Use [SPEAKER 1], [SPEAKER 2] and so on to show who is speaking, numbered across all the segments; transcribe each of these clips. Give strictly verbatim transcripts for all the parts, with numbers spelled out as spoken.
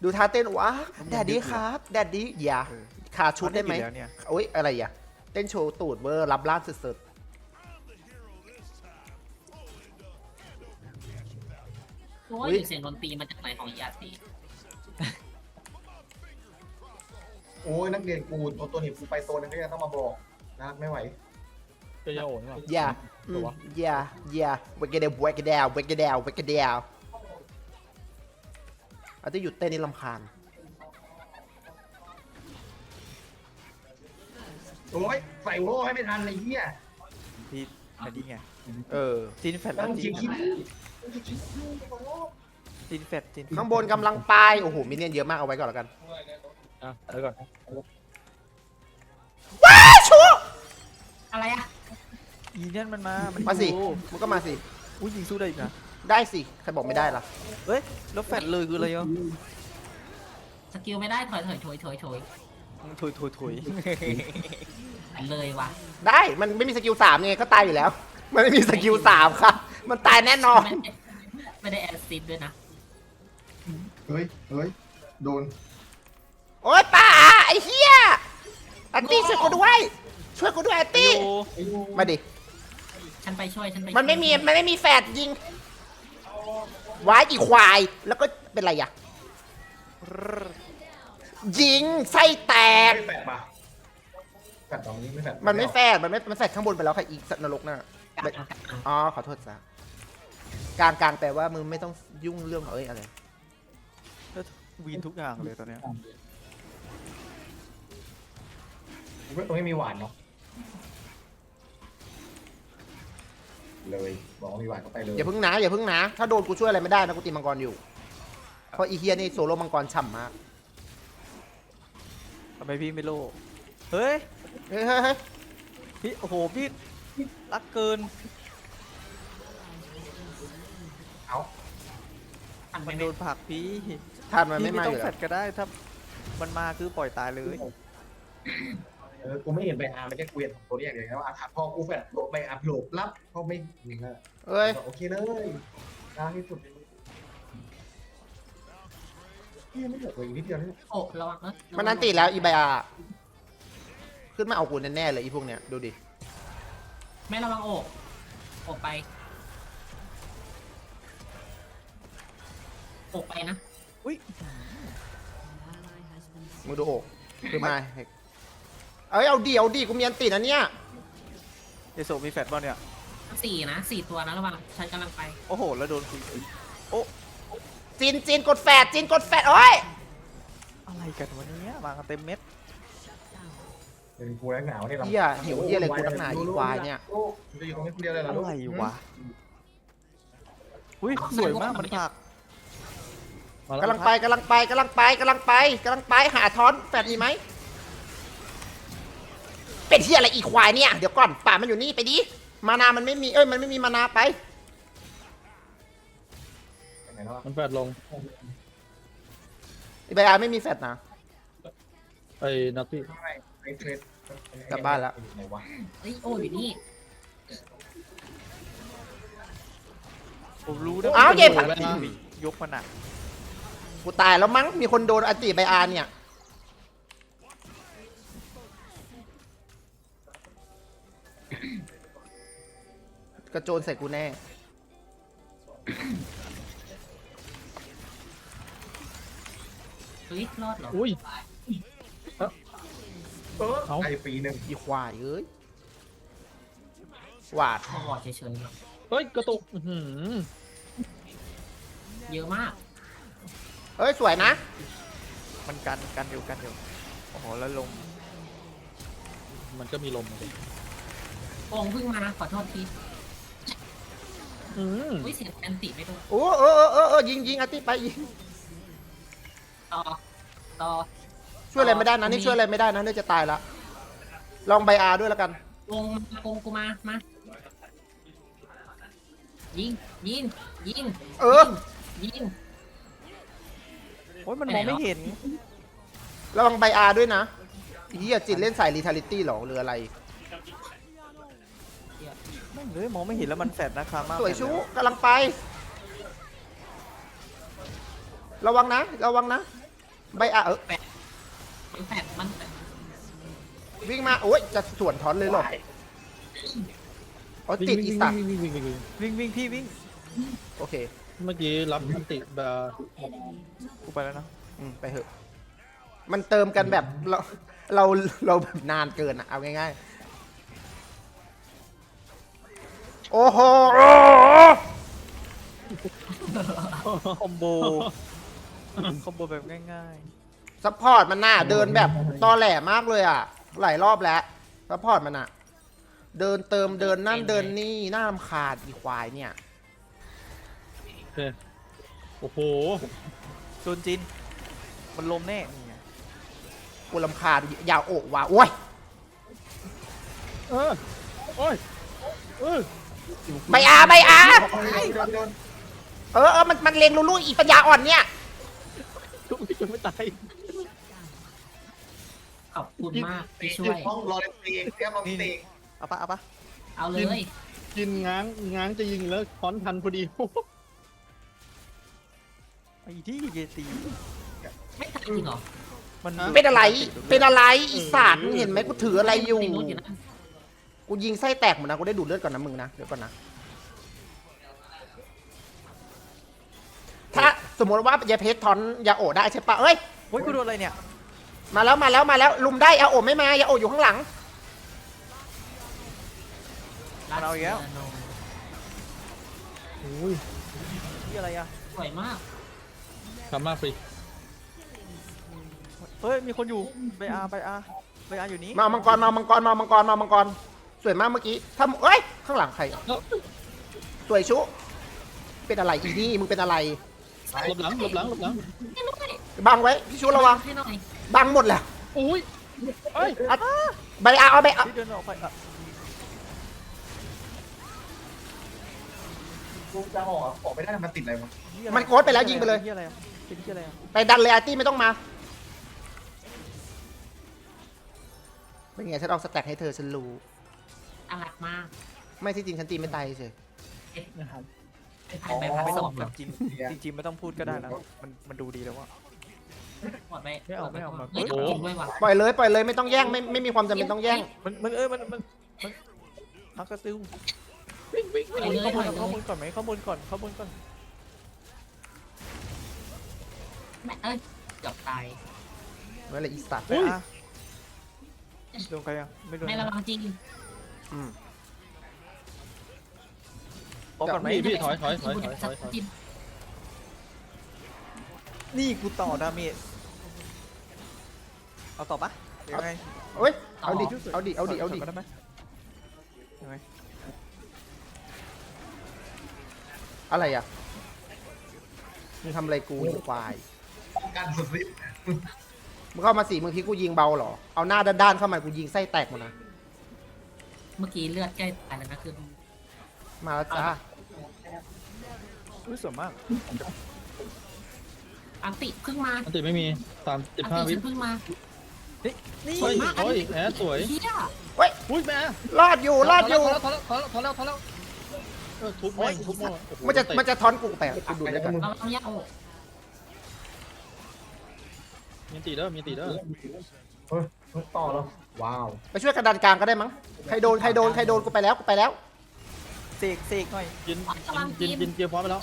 [SPEAKER 1] ดูท่าเต้นว้าแดดดี้ครับแดดดี้อย่าขาชุดได้ไหมโอ๊ยอะไรอ่ะเต้นโชว์ตูดเวอร์รับล่างสุด
[SPEAKER 2] รู้ว่าอยู่เสียงดนตรีมาจากไหนของยาตี
[SPEAKER 3] โอ้ยนักเรียนกูตัวตัวหนีบกูไปโซนนึงก็ยังต้องมาบอกนะไม่ไหว
[SPEAKER 4] จะยาโอนหรือเปล่า
[SPEAKER 1] ๆอย่าอืมอย่าอย่าเวกเดลเวกเดลเวกเดลเวกเดลอาจจะหยุดเต้นนี่ลำคาญ
[SPEAKER 3] โอ้ยใส่โว้ให้ไม่ทันเลยเฮีย
[SPEAKER 5] พี่อันนี้ไง
[SPEAKER 1] เออ
[SPEAKER 5] จีนแฟด
[SPEAKER 3] แล้
[SPEAKER 5] แล้ว ว
[SPEAKER 3] มึง
[SPEAKER 5] จี
[SPEAKER 3] คิด
[SPEAKER 5] น
[SPEAKER 3] คิด
[SPEAKER 5] จีนแฟดจีน
[SPEAKER 1] ข้างบนกำลังไปโอ้โหมินเนี่ยนเยอะมากเอาไว้ก่อนแล้วกัน
[SPEAKER 4] อ่ะเดี๋ยวก่อน
[SPEAKER 1] ว้าชู
[SPEAKER 2] อะไรอะ
[SPEAKER 5] อีนั่นมันมามัน
[SPEAKER 1] มาสิ
[SPEAKER 5] อยู่
[SPEAKER 1] มันก็มาสิ
[SPEAKER 5] อุ้ยยิงสู้ได้อีกนะ
[SPEAKER 1] ได้สิใครบอกไม่ได้ล่ะ
[SPEAKER 5] เฮ้ยแล้วแฟดเลยคืออะไรอ่ะ
[SPEAKER 2] สกิลไม่ได้ถอยถอยถอยถอยถอย
[SPEAKER 5] ถุยถุยถุย
[SPEAKER 2] เลยว่ะ
[SPEAKER 1] ได้มันไม่มีสกิลสามไงก็ตายอยู่แล้ว มันไม่มีสกิลสามค่ะมันตายแน่นอน
[SPEAKER 2] ไม่ได้ไม่ได้แอสซิดด้วยนะ
[SPEAKER 3] เฮ้ยเฮ้ยโดน
[SPEAKER 1] โอ๊ยป้าไอ้เหี้ยอันตี้ช่วยกูด้วยช่วยกูด้วยอันตี้
[SPEAKER 5] โอ้
[SPEAKER 1] มาดิ
[SPEAKER 2] ฉันไปช่วยฉันไป
[SPEAKER 1] มันไม่มีมันไม่มีแฟดยิงว้ายอีควายแล้วก็เป็นไรอ่ะยิงไส้แตก
[SPEAKER 3] ไม่แฝดปะแฝดตรงนี้ไม่แฝด
[SPEAKER 1] มันไม่แฟดมันไม่มันแฟดข้างบนไปแล้วค่ะอีสัตว์นรกน่ะ
[SPEAKER 2] กลางกลางกลาง
[SPEAKER 1] อ๋อขอโทษจ้ะกลางกลางแปลว่ามึงไม่ต้องยุ่งเรื่องของเอ้ยอะไร
[SPEAKER 5] แล้ววีนทุกอย่างเลยตอนเนี้ย
[SPEAKER 3] ตรงนี้มีหวานเนาะเลยบอกว่ามีหวานก็ไปเลย
[SPEAKER 1] อย่าพึ่งนะอย่าพึ่งนะถ้าโดนกูช่วยอะไรไม่ได้นะกูตีมังกรอยู่เพราะอีเฮียนี่โซโล่มังกรฉ่ำมาก
[SPEAKER 5] ทำไมพี่ไม่โลเฮ้ย
[SPEAKER 1] เฮ้ยเฮ้ยเฮ้ย
[SPEAKER 5] พี่โอ้โหพี่รักเกิน
[SPEAKER 3] เอา
[SPEAKER 2] ทันไป
[SPEAKER 5] มัน
[SPEAKER 2] ไหม
[SPEAKER 5] โดนผลักพี่
[SPEAKER 1] ทานมัน
[SPEAKER 5] พี่
[SPEAKER 1] ไม่
[SPEAKER 5] ไม่
[SPEAKER 1] มา
[SPEAKER 5] ต้
[SPEAKER 1] อ
[SPEAKER 5] อง
[SPEAKER 1] ยู่
[SPEAKER 5] แฟ
[SPEAKER 1] แล้ว
[SPEAKER 5] ดก็ได้ถ้ามันมาคือปล่อยตายเลย
[SPEAKER 3] เออกูไม่เห็นใบอาร์ไม่ใช่กูเห็นของตัวเรียกอย่างเงี้ยว่าอาถรรพ์พอกูแฝดโดนใบอาร์โผล่รับเขาไม่หนึ่งแล้ว
[SPEAKER 1] เอ้ย
[SPEAKER 3] โอเคเลยกลางที่สุดเฮียไม่เหลือตัวอีกนิดเดียวนี่
[SPEAKER 2] โอ้ระวังนะ
[SPEAKER 1] มันนันติแล้วอีไบอาขึ้นมาเอากูแน่ๆเลยอีพวกเนี้ยดูดิ
[SPEAKER 2] ไม่ระวังโอกโอกไปโอกไปนะ
[SPEAKER 5] อุ้ย
[SPEAKER 1] มึงดูโอกขึ้นมาเอ้ยเอาดิเอาดิกูมีอันตินะเนี่ย
[SPEAKER 5] เอโซมีแฟดบ้างเนี่ย
[SPEAKER 2] สี่นะสี่ตัวนะระวังฉันกำลังไป
[SPEAKER 5] โอ้โหแล้วโดนคุยโอ้
[SPEAKER 1] จีนจีนกดแฟดจีนกดแฟดโอ้ย
[SPEAKER 5] อะไรกันวันนี้มากันเต็มเม็ด
[SPEAKER 3] เป็นกูแล้วหนาวนี่
[SPEAKER 1] เฮียหิวเฮียอะไรกูนักหนาอีควายเนี่ย
[SPEAKER 3] จะอยู่ตรงนี้คนเดียวเลยเหรอ
[SPEAKER 5] อะ
[SPEAKER 3] ลูก
[SPEAKER 5] ไรวะอุ้ยสวยมากมันผลัก
[SPEAKER 4] มาแล้ว
[SPEAKER 1] กำลังไปกำลังไปกำลังไปกำลังไปกำลังไปหาทอนแฟดมีไหมเป็นเฮียอะไรอีควายเนี่ยเดี๋ยวก่อนป่ามันอยู่นี่ไปดิมานามันไม่มีเอ้ยมันไม่มีมานาไป
[SPEAKER 3] ไหนแล้ว
[SPEAKER 4] มันแฟดลง
[SPEAKER 1] อีไบอาไม่มีแฟดนะ
[SPEAKER 4] ไอ้นักพี่
[SPEAKER 3] ไอ้เทรด
[SPEAKER 1] กลับบ้านแล้ว
[SPEAKER 3] ไหนวะ
[SPEAKER 2] เอ้ยโอ้อยู่นี่
[SPEAKER 5] ผมรู้นะ
[SPEAKER 1] อ้าวเก็บ
[SPEAKER 5] ผักยกมันอ่ะ
[SPEAKER 1] กูตายแล้วมั้งมีคนโดนอันติไบอาเนี่ยกระโจนใส่กูแน่
[SPEAKER 2] เฮ้ยรอดเหรอ
[SPEAKER 4] อุ้ย
[SPEAKER 3] เออ
[SPEAKER 4] เอา
[SPEAKER 3] ไอ้ปีหนึ่ง
[SPEAKER 1] อีควายเอ้ยหวาด
[SPEAKER 2] พอวอดเฉยๆหรอ
[SPEAKER 4] เฮ้ยกระตุกอื้อหือ
[SPEAKER 2] เยอะมาก
[SPEAKER 1] เอ้ยสวยนะ
[SPEAKER 5] มันกันกันอยู่กันอยู่โอ้โหแล้วลง
[SPEAKER 4] มันก็มีลมเลย
[SPEAKER 2] โองเพิ่งมาขอโทษที
[SPEAKER 4] อืม
[SPEAKER 2] อุ้ยเสียงแอนติไม่โดน
[SPEAKER 1] โอ้เออเออเออเออยิงยิงอันติไปยิง
[SPEAKER 2] ต่อต่อ
[SPEAKER 1] ช่วยอะไรไม่ได้นะนี่ช่วยอะไรไม่ได้นะเนี่ยจะตายละลองไบอาด้วยแล้วกัน
[SPEAKER 2] โองมาโองกูมามายิงยิงยิง
[SPEAKER 1] เออ
[SPEAKER 2] ยิง
[SPEAKER 5] โอ้ยมันมองไม่เห็น
[SPEAKER 1] ระวังไบอาด้วยนะเฮียจิตเล่นสายรีทาลิตี้หรอหรืออะไร
[SPEAKER 5] ไม่เลยมองไม่เห็นแล้วมันแฟดนะคะมาก
[SPEAKER 1] สวยชูกำลังไป ระวังนะ ระวังนะใบอะเออ
[SPEAKER 2] มันแปดมันแปด
[SPEAKER 1] วิ่งมาโอ้ยจะสวนทอนเลยเหรออ๋อติดอีสัตว์
[SPEAKER 4] วิ่งวิ่งวิ่งวิ่งวิ่ง
[SPEAKER 5] วิ่งวิ่งพี่วิ่ง
[SPEAKER 1] โอเค
[SPEAKER 4] เมื่อกี้รับอันติแบบ
[SPEAKER 5] กูไปแล้วนะ
[SPEAKER 1] อืมไปเถอะมันเติมกันแบบเราเราเราแบบนานเกินอะเอาง่ายๆโอ้โห
[SPEAKER 5] คอมโบคอมโบแบบง่าย
[SPEAKER 1] ซัพพอร์ตมันน่ะเดินแบบตอแหลมากเลยอ่ะหลายรอบแล้วซัพพอร์ตมันอ่ะเดินเติมเดินนั่นเดินนี่น่ารำคาญอีควายเนี่ย
[SPEAKER 4] โอเคโอ้โห
[SPEAKER 5] ๆโดนจินมันลมแน่นี่ไง
[SPEAKER 1] กูรำคาญยาวโอกว่ะโอ้ย
[SPEAKER 4] เออโอ้ยเออ
[SPEAKER 1] ใบอาใบอา
[SPEAKER 3] โดนโดน
[SPEAKER 1] เออเออมันมันเลงลูลูอีปัญญาอ่อนเนี่ย
[SPEAKER 4] ทุกคนไม่ตาย
[SPEAKER 2] ขอบคุณมากที่ช่
[SPEAKER 3] ช่
[SPEAKER 2] ว
[SPEAKER 3] วย ยห้องรอเล่นเตียงแก้มรอเตียง
[SPEAKER 5] เอาปะเอาปะ
[SPEAKER 2] เอาเลย
[SPEAKER 4] กินง้างง้างจะยิงแล้วค้อนทันพอดี
[SPEAKER 5] ไอ้ที่เยตี
[SPEAKER 2] ไม่ทันจริงเหรอ
[SPEAKER 5] มัน
[SPEAKER 1] เป็นอะไรเป็นอะไรอีสัตว์มึงเห็นไหมกูถืออะไรอยู่
[SPEAKER 2] ไม่รู้อยู่นะ
[SPEAKER 1] กูยิงไส้แตกหมดนะกูได้ดูดเลือดก่อนนะมึงนะเดี๋ยวก่อนนะถ้าสมมติว่ายาเพชรทอนยาโอได้ใช่ปะเอ้ย
[SPEAKER 5] โอ้ยกูโดนอะไรเนี่ย
[SPEAKER 1] มาแล้วมาแล้วมาแล้วลุมได้ยาโอไม่มายาโออยู่ข้างหลัง
[SPEAKER 5] มันเอาอีกแล้ว
[SPEAKER 4] โอ้ย
[SPEAKER 5] ที่อะไรอะ
[SPEAKER 2] สวยมาก
[SPEAKER 4] ทำมากฟรี
[SPEAKER 5] เฮ้ยมีคนอยู่ไปอาไปอาไปอาอยู่นี้
[SPEAKER 1] มามังกรมามังกรมามังกรมามังกรสวยมากเมื่อกี้ทำเอ้ยข้างหลังใครอ่ะสวยชุเป็นอะไรอีนี่มึงเป็นอะไร
[SPEAKER 4] หลบหลังหลบหลังหลบหลัง
[SPEAKER 2] ไม่รู้เลย
[SPEAKER 1] บังไว้พี่ชุระวัง
[SPEAKER 2] ให้หน่อย
[SPEAKER 1] บังหมดแหละ
[SPEAKER 4] อุ้ยเอ้ย
[SPEAKER 1] อ่ะใบอาเอาใบอา
[SPEAKER 5] ที่เดินออกไปอะ
[SPEAKER 3] กูจะออกออกไม่ได้มันติดอะไรวะ
[SPEAKER 5] เหี้ยอะร
[SPEAKER 1] มันโกดไปแล้วยิงไปเลย
[SPEAKER 5] ที่อะไรอะเป็นที่อะไรอะ
[SPEAKER 1] ไปดันเลยอาร์ตี้ไม่ต้องมาเป็นไงฉันเอาสแต็กให้เธอฉันรู้
[SPEAKER 2] อารักมาก
[SPEAKER 1] ไม่ที่จริงฉันตีไม่ตายเฉย
[SPEAKER 2] เป็นถ่ายไปพัน
[SPEAKER 5] ไม่
[SPEAKER 2] ส
[SPEAKER 5] ต้อ
[SPEAKER 2] อง ง
[SPEAKER 5] แบบจริงจริงๆไม่ต้องพูดก็ได้นะมันมันดูดีแล้วว่า
[SPEAKER 2] หมดไป
[SPEAKER 5] ไม่เอาไม่เอามา
[SPEAKER 2] เฮ้ยจริงด้วยว่ะ
[SPEAKER 1] ปล่อยเลยปล่อยเลยไม่ต้องแย่งไม่ไม่มีความจำเป็นต้องแย่ง
[SPEAKER 5] มันมันเอ้ยมันมันมันพักกระติ้ว
[SPEAKER 2] ไปเลย
[SPEAKER 5] ข้อมู
[SPEAKER 2] ไป
[SPEAKER 5] ล
[SPEAKER 2] เล
[SPEAKER 5] ข้อย มูลก่อนไหมข้อมูลก่อนข้อมูลก่อน
[SPEAKER 2] แม่เอ้ยเกือบตาย
[SPEAKER 1] นั่นแหละอีสัตว์
[SPEAKER 5] ไปอาโดนใครยังไม่โดน
[SPEAKER 2] ไม่ระวังจริง
[SPEAKER 1] อืม
[SPEAKER 5] บอกก่อนไหม
[SPEAKER 4] พี่พี่ถอยถอยถอยถอยถอยถอย
[SPEAKER 2] จิ้ม
[SPEAKER 5] นี่กูต่อดาเมจเอาต่อปะยังไง
[SPEAKER 1] เอ้ยเอาดิเอาดิเอาดิเอาดิ
[SPEAKER 5] ถยก่นได้ไหมยังไง
[SPEAKER 1] อะไรอ่ะมึงทำอะไรกูอีควาย
[SPEAKER 3] ป้องกันสุดฤทธิ์
[SPEAKER 1] มึงเข้ามาสี่มึงคิดกูยิงเบาเหรอเอาหน้าด้านๆเข้ามากูยิงไส้แตกหมดนะ
[SPEAKER 2] เมื่อกี้เลือดใกล้ตายแล้วนะคือ
[SPEAKER 1] มาแล้วจ้า
[SPEAKER 5] อุ้ยสวยมาก
[SPEAKER 2] อันติเพิ่งมา
[SPEAKER 4] อันติไม่มีสามสิบ
[SPEAKER 2] อัน
[SPEAKER 4] ห้า
[SPEAKER 2] ติ
[SPEAKER 4] วิ
[SPEAKER 2] ฉันเพิ่งมา
[SPEAKER 5] นี่นี่
[SPEAKER 4] เฮ้ยโอ้ยแอดสวย
[SPEAKER 2] เฮีย
[SPEAKER 1] เฮ้ย
[SPEAKER 4] อุ้ยแม่
[SPEAKER 1] รอดอยู่รอดอยู่
[SPEAKER 4] ถอยแล้วถอยแล้วถอยแล้วถอยแล้วเออทุบแม่งทุบแม่งโอ้โห
[SPEAKER 1] มันจะมันจะทอนกูไปอ่ะกูดูดแล้วกัน
[SPEAKER 2] เราต้องแยกโอ้
[SPEAKER 4] มีตีเด้อมีตีเด้อ
[SPEAKER 3] เฮ้ยต่อแล้วว้าว
[SPEAKER 1] ไปช่วยกันดันกลางก็ได้มั้งใครโดนใครโดนใครโดนกูไปแล้วกูไปแล้ว
[SPEAKER 5] เสกเสกหน่อย
[SPEAKER 4] ยินยินยินยินเกียร์พร้อมไปแล้ว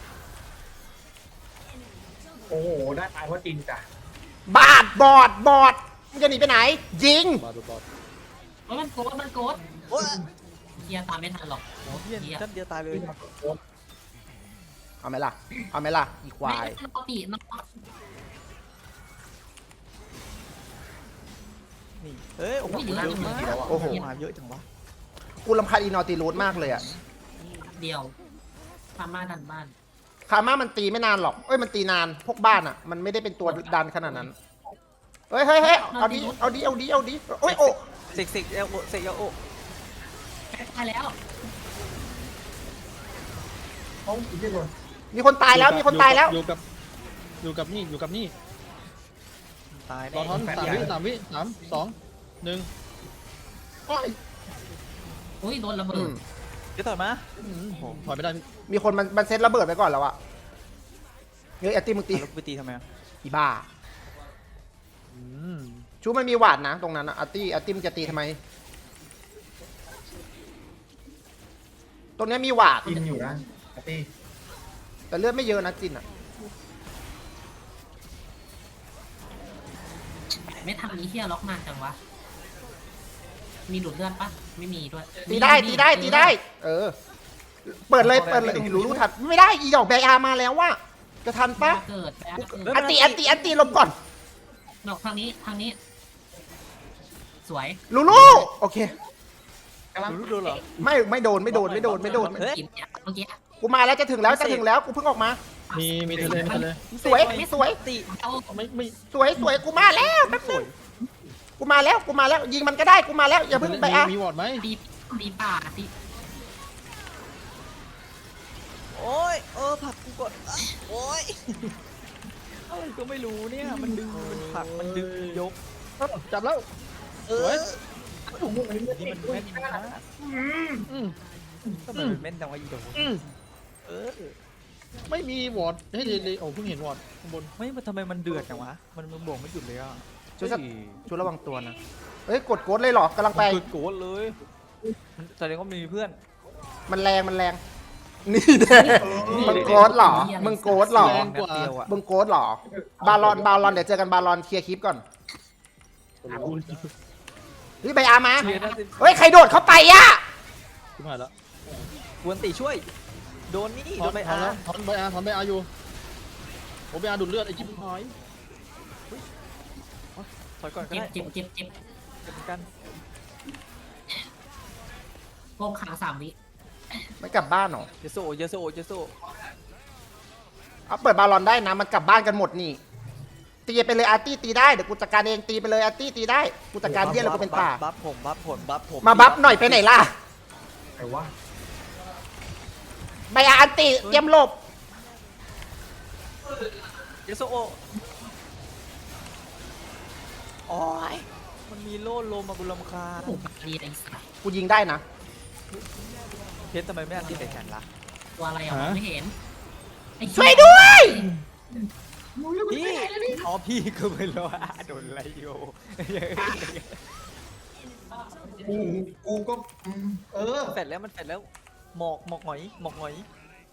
[SPEAKER 3] โอ้โหได้ตายเพราะจริงจ้ะ
[SPEAKER 1] บาดบอดบอดมึงจะหนีไปไหน ยิง
[SPEAKER 4] บาดบาด
[SPEAKER 2] เฮ้ยมันโกดมันโกด
[SPEAKER 5] โอ้ย
[SPEAKER 2] เฮียตามไม่ทันหรอกโอ้
[SPEAKER 5] เฮีย
[SPEAKER 2] เฮีย
[SPEAKER 5] ท่านเดียวตายเลย
[SPEAKER 1] เอาไหมล่ะเอาไหมล่ะอีควาย
[SPEAKER 2] ไม่ปกติน้อง
[SPEAKER 5] นี่เฮ้ยโอ้โหเยอะมาก
[SPEAKER 1] โอ้โห
[SPEAKER 5] มาเยอะจังวะ
[SPEAKER 1] กูรำคาญอีนอตีรูดมากเลยอ่ะ
[SPEAKER 2] เดียวพามาดันบ้าน
[SPEAKER 1] คาม่ามันตีไม่นานหรอกเอ้ยมันตีนานพวกบ้านอ่ะ มันไม่ได้เป็นตัวดันขนาดนั้นเฮ้ยเฮ้ยเฮ้ยเอาดิเอาดิเอาดิเอาดิโอ้ยโอ้
[SPEAKER 5] เสกเสกเอลโอเสกเอลโอ
[SPEAKER 2] ตายแล้ว
[SPEAKER 3] ห้องอีกที่คน
[SPEAKER 1] มีคนตายแล้วมีคนตายแล้ว
[SPEAKER 4] อยู่กับอยู่กับนี่อยู่กับนี่
[SPEAKER 5] ตาย
[SPEAKER 4] รอท้อนสามวิสามวิสามสองหนึ่ง
[SPEAKER 2] อุ้ยโดนระเบิ
[SPEAKER 1] อื
[SPEAKER 2] ด
[SPEAKER 1] ม
[SPEAKER 5] เดี๋ยวต่อยมา
[SPEAKER 4] ถอยไม่ได้
[SPEAKER 1] มีคนมันมันเซ็ตระเบิดไปก่อนแล้วอะเฮ้ยแอตตี้มึงตี
[SPEAKER 5] แล้วไปตีทำไมอะ
[SPEAKER 1] อีบ้าชูมันมีหวาดนะตรงนั้นอะอาร์ตี้อาร์ตี้มันจะตีทำไม ตรงเนี้ยมีหวาด
[SPEAKER 3] กินอยู่นะอาร์ตี้
[SPEAKER 1] แต่เลือดไม่เยอะนะจินอะ
[SPEAKER 2] ไม่ทำนี้เฮียล็อกมากจังวะมีดูดเลือดปะไม่มีด้วย
[SPEAKER 1] ตีได้ตีได้ตีได้ เออ เปิดเลยเปิดเลยรู้รู้ทันไม่ได้อีดอกแบอามาแล้วว่าจะทันปะ
[SPEAKER 2] เกิดแป๊บ
[SPEAKER 1] อันตีอันตีอันตีลมก่อน
[SPEAKER 2] ดอกทางนี้ทางนี้ สวย
[SPEAKER 1] ลูลูโอเค
[SPEAKER 3] กำลัง
[SPEAKER 5] รู้ดูเหรอ
[SPEAKER 1] ไม่ไม่โดนไม่โดนไม่โดนไม่โดน
[SPEAKER 5] เฮ้ย
[SPEAKER 2] กินเมื่อกี้
[SPEAKER 1] กูมาแล้วจะถึงแล้วจะถึงแล้วกูเพิ่งออกมา
[SPEAKER 4] มีมีทะเลมีทะเล
[SPEAKER 1] สวยสวย
[SPEAKER 5] ติ
[SPEAKER 2] เอา
[SPEAKER 4] ไม่ไม่
[SPEAKER 1] สวยสวยกูมาแล้วแป๊บนึงกูมาแล้วกูมาแล้วยิงมันก็ได้กูมาแล้วอย่าเพิ่งไปอ่ะ
[SPEAKER 4] มีวอร์ดไหม
[SPEAKER 2] ตีตีป่าตี
[SPEAKER 5] โอ้ยเออผลักกูกดอ่ะโอ้ยอะไรก็ไม่รู้เนี่ยมันดึงมันผลักมันดึงยก
[SPEAKER 4] จับแล้ว
[SPEAKER 5] เอ
[SPEAKER 4] สวย
[SPEAKER 5] อนี่มันแม่นมาก
[SPEAKER 4] อืม
[SPEAKER 5] ทำไมมันแม่นจังวะอีโด
[SPEAKER 4] อืม
[SPEAKER 5] เออ
[SPEAKER 4] ไม่มีวอร์ดให้เลยเลยโอ้เพิ่งเห็นวอร์ดข้างบน
[SPEAKER 5] ไม่มันทำไมมันเดือดจังวะมันมันบวกไม่หยุดเลยอ่ะ
[SPEAKER 1] ช่วยสักช่วยระวังตัวนะเฮ้ยกดโกดเลยเหรอกำลังไป
[SPEAKER 5] มันโกรธเลยมันแสดงว่ามีเพื่อน
[SPEAKER 1] มันแรงมันแรงนี่แน่มึงโกดเหรอมึงโกดเหรอ
[SPEAKER 5] แรงกว่าเดียวอ่ะ
[SPEAKER 1] มึงโกดเหรอบาลอนบาลอนเดี๋ยวเจอกันบาลอนเคลียร์คลิปก่อนเฮ้ยใบอามา
[SPEAKER 5] เชียร์นะสิ
[SPEAKER 1] เฮ้ยใครโดดเข้าไปอ่ะ
[SPEAKER 4] ชิบหายแล้ว
[SPEAKER 5] กวนตีช่วย โดนนี่
[SPEAKER 4] ถ
[SPEAKER 5] โด
[SPEAKER 4] อน
[SPEAKER 5] นไป
[SPEAKER 4] ถอ
[SPEAKER 5] อาน
[SPEAKER 4] แล้วถอนใบอาถอนใบอาอยู่ผมใบอาดูดเลือดไอ้ชิบหาย
[SPEAKER 5] ถอยก่อนก็
[SPEAKER 2] เจ็บ
[SPEAKER 5] ได้
[SPEAKER 2] เจ็บเจ็บเจ็บ
[SPEAKER 5] เจ็บเหมือนกัน
[SPEAKER 2] โกงขังสามวิ
[SPEAKER 1] ไม่กลับบ้านเหรอ
[SPEAKER 5] เยโซเยโซเยโซ
[SPEAKER 1] เอาเปิดบาลอนได้นะมันกลับบ้านกันหมดนี่ตีไปเลยอาร์ตี้ตีได้เดี๋ยวกูจัดการเองตีไปเลยอาร์ตี้ตีได้กูจัดการเยี่ยแล้วกูเป็นป่า
[SPEAKER 5] บัฟผมบัฟผมบัฟผม
[SPEAKER 1] มาบัฟหน่อยไปไหนล่ะ
[SPEAKER 3] ไอ้วะ
[SPEAKER 1] ใบอาอันติเตรียมหลบ
[SPEAKER 5] เยโซโอโอ้ยมันมีโล่ลมมาบุรำคาญ
[SPEAKER 2] ถูกดีไอ้สัส
[SPEAKER 1] กูยิงได้นะ
[SPEAKER 5] เพชรทำไมไม่อันตีใส่แขนล่ะ
[SPEAKER 2] ตัวอะไรอ่ะไม่เห็นไอ้เหี้
[SPEAKER 1] ช่วยด้วย
[SPEAKER 5] พี่อ๋อพี่ก็ไม่รู้ว่าโดนอะไรอยู่
[SPEAKER 3] กูกูก็อืมเออ
[SPEAKER 5] มันแฟดแล้วมันแฟดแล้วหมอกหมอกหงอยหมอกหงอย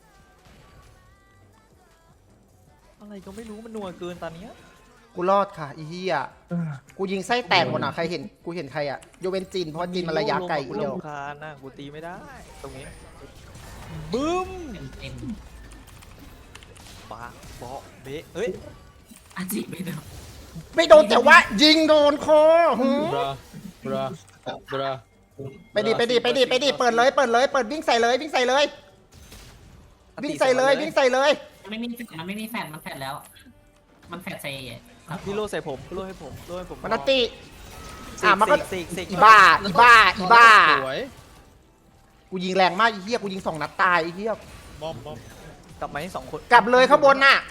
[SPEAKER 5] อะไรก็ไม่รู้มันนัวเกินตอนเนี้ย
[SPEAKER 1] กูรอดค่ะอีเหี้ยกูยิงไส้แตกหมดอ่ะใครเห็นกูเห็นใครอ่ะโยเวนจินเพราะจินมันระยะไกลอีก
[SPEAKER 5] กู
[SPEAKER 1] เดียว
[SPEAKER 5] รำคาญนะกูตีไม่ได้ตรงนี้บึ้ม
[SPEAKER 2] เต็ม
[SPEAKER 5] ปากเบาะเบะเอ้ย
[SPEAKER 2] อาจิไม่โดน
[SPEAKER 1] ไม่โดนแต่ว่ายิงโดนคอหืม
[SPEAKER 4] บราบราบรา
[SPEAKER 1] ไปดิไปดิไปดิไปดิเปิดเลยเปิดเลยเปิดวิ่งใส่เลยวิ่งใส่เลยวิ่งใส่เลยวิ่งใส่เลย
[SPEAKER 2] มันไม่มีแฟดมันไม่มีแฟดมันแฟดแล้ว มันแฟดใส่
[SPEAKER 5] พี่โลใส่ผมพี่โลให้ผมโลให้ผม
[SPEAKER 1] มันนัตติ
[SPEAKER 5] เส
[SPEAKER 1] อ่ะ
[SPEAKER 5] ก
[SPEAKER 1] มันก็
[SPEAKER 5] เสกเสก
[SPEAKER 1] อีบ้าอีบ้าอีบ้า
[SPEAKER 4] สวย
[SPEAKER 1] กูยิงแรงมากอีเหี้ยกูยิงสองนัดตายอีเหี้ย
[SPEAKER 4] บอมบอม
[SPEAKER 5] กลับมาให้สองคน
[SPEAKER 1] กลับเลยข้างบนน่ะ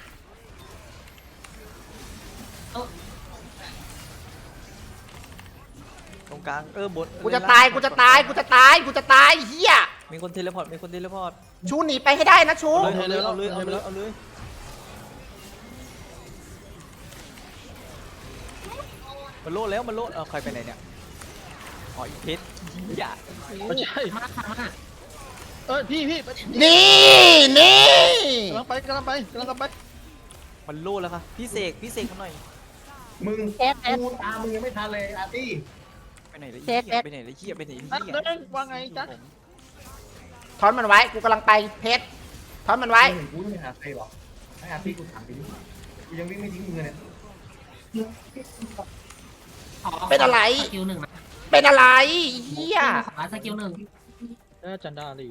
[SPEAKER 5] ตรงกลางเออบน
[SPEAKER 1] กูจะตายกูจะตายกูจะตายกูจะตายเหี้ย
[SPEAKER 5] มีคนเทเลพอร์ตมีคนเทเลพอร์ต
[SPEAKER 1] ชูหนีไปให้ได้นะชู
[SPEAKER 5] เอาเลยเอาเลยเอาเลยเอาเลยมันโลดแล้วมันโลดเอาใครไปไหนเนี่ยอ๋ออีเพชรอย่า
[SPEAKER 4] ไม่ใช่
[SPEAKER 2] มาค่ะมา
[SPEAKER 4] เออพี่พี่
[SPEAKER 1] นี่นี่
[SPEAKER 4] กำลังไปกำลังไปกำลังไป
[SPEAKER 5] มันโลดแล้วค่ะพี่เสกพี่เสกมาหน่อย
[SPEAKER 3] มึงกูตามมึงยังไม่ทันเลยอาร์ตี้
[SPEAKER 5] ไปไหนเลยเหี้ยไปไหนเลยเหี้ยไปไหน
[SPEAKER 4] นั่น
[SPEAKER 5] เหี้ย
[SPEAKER 4] นั่นว่าไงจ๊ะ
[SPEAKER 1] ถอนมันไว้กูกำลังไปเพชรถอนมันไว้
[SPEAKER 3] มึงกูไม่หาใครหรอกให้อาร์ตี้กูถามไปดิกูยังวิ่งไม่ทิ้งมึงเลยเนี่ย
[SPEAKER 1] เป็นอะไร
[SPEAKER 2] สกิลหนึ่งนะ
[SPEAKER 1] เป็นอะไรเหี้ย
[SPEAKER 2] ขอสกิลหนึ่ง
[SPEAKER 4] เออจันดาลี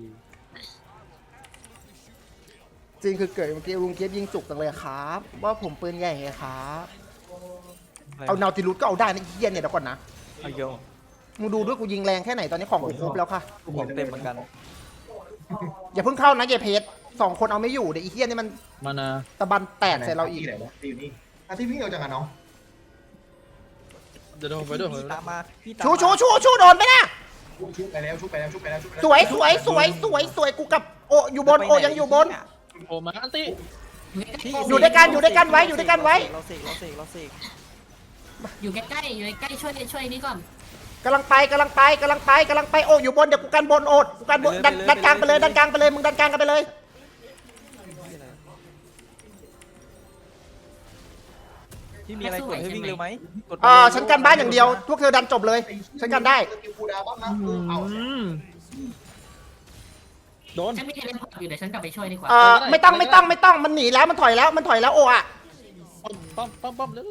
[SPEAKER 1] จริงคือเกิดเมื่อกี้ลุงเกียบยิงจุกจังเลยครับ ว่าผมปืนใหญ่ไงครับเอานาติลุสก็เอาได้นะเหี้ยเนี่ยเดี๋ยวก่อนนะ
[SPEAKER 5] เอาโย
[SPEAKER 1] มึงดูด้วยกูยิงแรงแค่ไหนตอนนี้ของกูครบแล้วค่ะ
[SPEAKER 5] ของเต็มเหมือนกัน
[SPEAKER 1] อย่าเพิ่งเข้านะเยเพชรสองคนเอาไม่อยู่เดี๋ยวอีเหี้ยนี่มัน
[SPEAKER 4] มานา
[SPEAKER 1] ตะบันแตกใส่เราอีก
[SPEAKER 3] ที่ไหนวะที่อยู่นี่อาร์ตี้วิ่งเอาจังอะน้อง
[SPEAKER 4] เดี๋ยวผมไปด้วยผม
[SPEAKER 5] พี่
[SPEAKER 4] ไปด้วย
[SPEAKER 5] ตามมาพี่ตาม
[SPEAKER 1] ชูชูชูชูโดนไปนะ
[SPEAKER 3] ชุบไปแล้วชุบไปแล้วชุบไปแล้วชุบไปแล้ว
[SPEAKER 1] สวยสวยสวยสวยสวยกูกับโออยู่บนโอยังอยู่บน
[SPEAKER 4] โอ้มาอันตี้
[SPEAKER 5] พี่
[SPEAKER 1] อยู่ด้วยกันอยู่ด้วยกันไว้อยู่ด้วยกันไว้
[SPEAKER 5] เราเสกเราเสกเราเสก
[SPEAKER 2] อยู่ใกล้ๆอยู่ใกล้ๆช่วยช่วยนี้ก่อน
[SPEAKER 1] กำลังไปกำลังไปกำลังไปกำลังไปโอ้อยู่บนเดี๋ยวกูกันบนโอดกูกันบนดันดันกลางไปเลยดันกลางไปเลยมึงดันกลางกันไปเลย
[SPEAKER 5] ที่มีอะไรกดให้วิ่งเร็วไหมกดไป
[SPEAKER 1] อ่า
[SPEAKER 5] เร็ว
[SPEAKER 1] ฉันกันบ้านอย่างเดียวพวกเธอดันจบเลยฉันกันได้
[SPEAKER 3] สกิลกูดาวบ้างนะกูเอา
[SPEAKER 4] โดน
[SPEAKER 2] ฉันมีเทเลพอร์ตอยู่เดี๋ยวฉันกลับไปช่วยดีกว่า
[SPEAKER 1] เอ่อไม่ต้องไม่ต้องไม่ต้องมันหนีแล้วมันถอยแล้วมันถอยแล้วโอ้อะ
[SPEAKER 4] ปั๊มปั๊มปั๊มเร็ว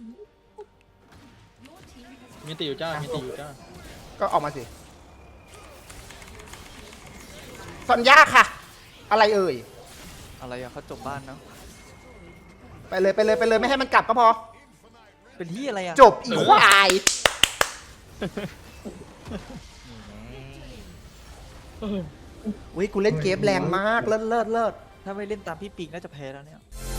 [SPEAKER 4] มีตีอยู่จ้ามีตีอยู่จ้า
[SPEAKER 1] ก็ออกมาสิสัญญาค่ะ อะไรเอ่ย
[SPEAKER 5] อะไรอะเขาจบบ้านเนาะ
[SPEAKER 1] ไปเลยไปเลยไปเลยไม่ให้มันกลับก็พอ
[SPEAKER 5] เป็นที่อะไรอะ
[SPEAKER 1] จบอีควายอุ้ยกูเล่นเกมแรงมากเลิศเลิศเลิศ
[SPEAKER 5] ถ้าไม่เล่นตามพี่ปิงน่าจะแพ้แล้วเนี่ย